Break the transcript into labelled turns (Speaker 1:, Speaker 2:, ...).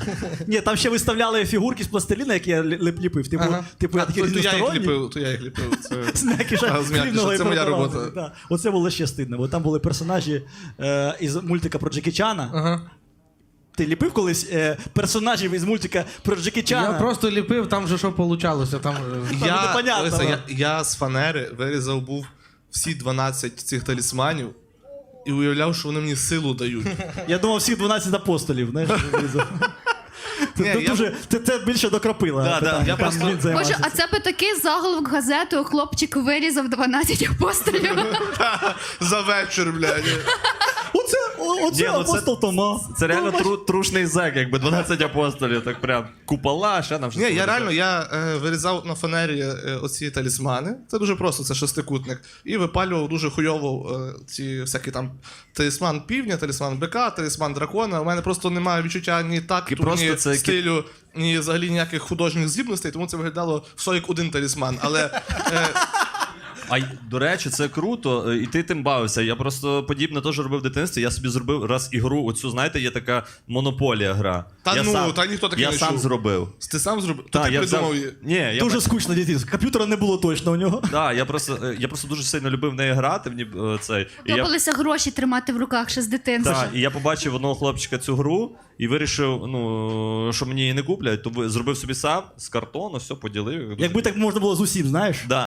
Speaker 1: Ні, там ще виставляли фігурки з пластиліна, які я ліпив. Типу, я такий різносторонній.
Speaker 2: То я їх ліпив.
Speaker 1: З м'якіша хлібного і
Speaker 2: це моя
Speaker 1: продавали.
Speaker 2: робота.
Speaker 1: Да. Оце було ще стидно, бо там були персонажі із мультика про Джекі Чана.
Speaker 3: Ага.
Speaker 1: Ти ліпив колись персонажів із мультика про Джекі Чана?
Speaker 3: Я просто ліпив, там же що получалося. Там...
Speaker 1: непонятно.
Speaker 2: Я з фанери вирізав був всі 12 цих талісманів і уявляв, що вони мені силу дають.
Speaker 1: Я думав, всіх 12 апостолів, знаєш, вирізав.
Speaker 2: Ні,
Speaker 1: Це більше до Крапила.
Speaker 2: Да,
Speaker 1: питання.
Speaker 2: я просто-
Speaker 1: Там він займався
Speaker 4: Боже, а це би такий заголовок газетою, хлопчик вирізав 12 апостолів.
Speaker 2: За вечір, блядь.
Speaker 1: Оце
Speaker 5: Ні, ну
Speaker 1: апостол Тома.
Speaker 5: Це реально трушний зек, якби 12 апостолів, так прям купола, ще нам щось.
Speaker 2: Ні, я
Speaker 5: таке.
Speaker 2: реально вирізав на фанері оці талісмани. Це дуже просто, це шестикутник. І випалював дуже хуйово ці всякі там талісман півня, талісман бика, талісман дракона. У мене просто немає відчуття ні такту,
Speaker 5: просто
Speaker 2: ні
Speaker 5: це
Speaker 2: стилю, ні взагалі ніяких художніх здібностей, тому це виглядало все як один талісман. Але
Speaker 5: А до речі, це круто, і ти тим бавився. Я просто подібне теж робив в дитинстві. Я собі зробив раз ігру, оцю, знаєте, є така монополія гра.
Speaker 2: Та
Speaker 5: Я
Speaker 2: ну,
Speaker 5: сам,
Speaker 2: та ніхто таке
Speaker 5: я
Speaker 2: не
Speaker 5: сам
Speaker 2: чув.
Speaker 5: зробив.
Speaker 2: ти сам зробив? То
Speaker 5: Так,
Speaker 2: ти
Speaker 5: я
Speaker 2: придумав
Speaker 5: взяв...
Speaker 2: її?
Speaker 5: Ні, я
Speaker 1: Дуже скучно дитинство. Комп'ютера не було точно у нього.
Speaker 5: Так, я просто дуже сильно любив в неї грати. Цей. І я...
Speaker 4: Подобалося гроші тримати в руках ще з дитинства.
Speaker 5: Так, і я побачив одного хлопчика цю гру і вирішив, що мені її не куплять, то зробив собі сам з картону, все поділив.
Speaker 1: Якби так можна було з усім, знаєш?
Speaker 5: Да.